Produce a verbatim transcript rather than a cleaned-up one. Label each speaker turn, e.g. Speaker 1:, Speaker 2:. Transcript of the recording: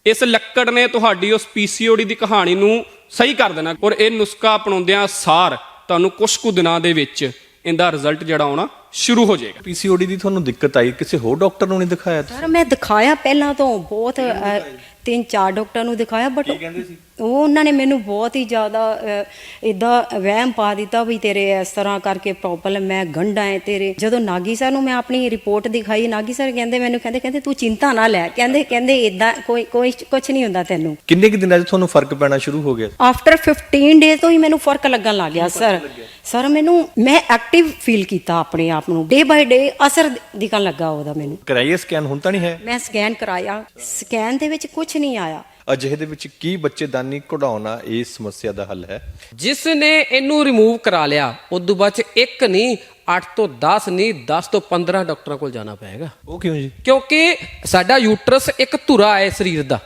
Speaker 1: ਇਸ ਲੱਕੜ ਨੇ ਤੁਹਾਡੀ ਉਸ ਪੀਸੀਓਡੀ ਦੀ ਕਹਾਣੀ ਨੂੰ ਸਹੀ ਕਰ ਦੇਣਾ ਔਰ ਇਹ ਨੁਸਖਾ ਅਪਣਾਉਂਦਿਆਂ ਸਾਰ ਤੁਹਾਨੂੰ ਕੁਝ ਕੁ ਦਿਨਾਂ ਦੇ ਵਿੱਚ ਇਹਦਾ ਰਿਜ਼ਲਟ ਜਿਹੜਾ ਆਉਣਾ ਸ਼ੁਰੂ ਹੋ ਜਾਏਗਾ।
Speaker 2: ਪੀਸੀਓਡੀ ਦੀ ਤੁਹਾਨੂੰ ਦਿੱਕਤ ਆਈ, ਕਿਸੇ ਹੋਰ ਡਾਕਟਰ ਨੂੰ ਨਹੀਂ ਦਿਖਾਇਆ?
Speaker 3: ਸਰ ਮੈਂ ਦਿਖਾਇਆ ਪਹਿਲਾਂ ਤੋਂ ਬਹੁਤ ਅ, ਤਿੰਨ ਚਾਰ ਡਾਕਟਰ ਨੂੰ ਦਿਖਾਇਆ, ਬਟ ਉਹ ਉਹਨਾਂ ਨੇ ਮੈਨੂੰ ਬਹੁਤ ਹੀ ਜ਼ਿਆਦਾ ਇਦਾਂ ਵਹਿਮ ਪਾ ਦਿੱਤਾ ਵੀ ਤੇਰੇ ਇਸ ਤਰ੍ਹਾਂ ਕਰਕੇ ਪ੍ਰੋਬਲਮ ਹੈ, ਗੰਢਾਂ ਹੈ ਤੇਰੇ। ਜਦੋਂ ਨਾਗੀ ਸਰ ਨੂੰ ਮੈਂ ਆਪਣੀ ਰਿਪੋਰਟ ਦਿਖਾਈ, ਨਾਗੀ ਸਰ ਕਹਿੰਦੇ ਮੈਨੂੰ ਕਹਿੰਦੇ ਕਹਿੰਦੇ ਤੂੰ ਚਿੰਤਾ ਨਾ ਲੈ, ਕਹਿੰਦੇ ਕਹਿੰਦੇ ਇਦਾਂ ਕੋਈ ਕੋਈ ਕੁਝ ਨਹੀਂ ਹੁੰਦਾ ਤੈਨੂੰ।
Speaker 2: ਕਿੰਨੇ ਕੁ ਦਿਨਾਂ 'ਚ ਤੁਹਾਨੂੰ ਫਰਕ ਪੈਣਾ ਸ਼ੁਰੂ ਹੋ ਗਿਆ?
Speaker 3: ਆਫਟਰ ਫਿਫਟੀਨ ਡੇਜ਼ ਤੋਂ ਹੀ ਮੈਨੂੰ ਫਰਕ ਲੱਗਣ ਲੱਗ ਗਿਆ ਸਰ। ਸਰ ਮੈਨੂੰ ਮੈਂ ਐਕਟਿਵ ਫੀਲ ਕੀਤਾ ਆਪਣੇ ਆਪ ਨੂੰ, ਡੇ ਬਾਈ ਡੇ ਅਸਰ ਦਿਖਣ ਲੱਗਾ ਉਹਦਾ ਮੈਨੂੰ।
Speaker 2: ਕਰਾਈਏ ਸਕੈਨ? ਹੁਣ ਤਾਂ ਨਹੀਂ ਹੈ?
Speaker 3: ਮੈਂ ਸਕੈਨ ਕਰਾਇਆ, ਸਕੈਨ ਦੇ ਵਿੱਚ ਕੁਝ ਨਹੀਂ ਆਇਆ।
Speaker 2: ਅਜਿਹੇ ਦੇ ਵਿੱਚ ਕੀ ਬੱਚੇਦਾਨੀ ਕਢਾਉਣਾ ਇਸ ਸਮੱਸਿਆ ਦਾ ਹੱਲ ਹੈ?
Speaker 4: ਜਿਸ ਨੇ ਇਹਨੂੰ ਰਿਮੂਵ ਕਰਾ ਲਿਆ ਉਦੋਂ ਬਾਅਦ ਚ ਇੱਕ ਨਹੀਂ ਅੱਠ ਤੋਂ ਦਸ ਨਹੀਂ ਦਸ ਤੋਂ ਪੰਦਰਾਂ ਡਾਕਟਰਾਂ ਕੋਲ ਜਾਣਾ ਪਏਗਾ।
Speaker 2: ਉਹ ਕਿਉਂ ਜੀ?
Speaker 4: ਕਿਉਂਕਿ ਸਾਡਾ ਯੂਟਰਸ ਇੱਕ ਧੁਰਾ ਹੈ ਸਰੀਰ ਦਾ,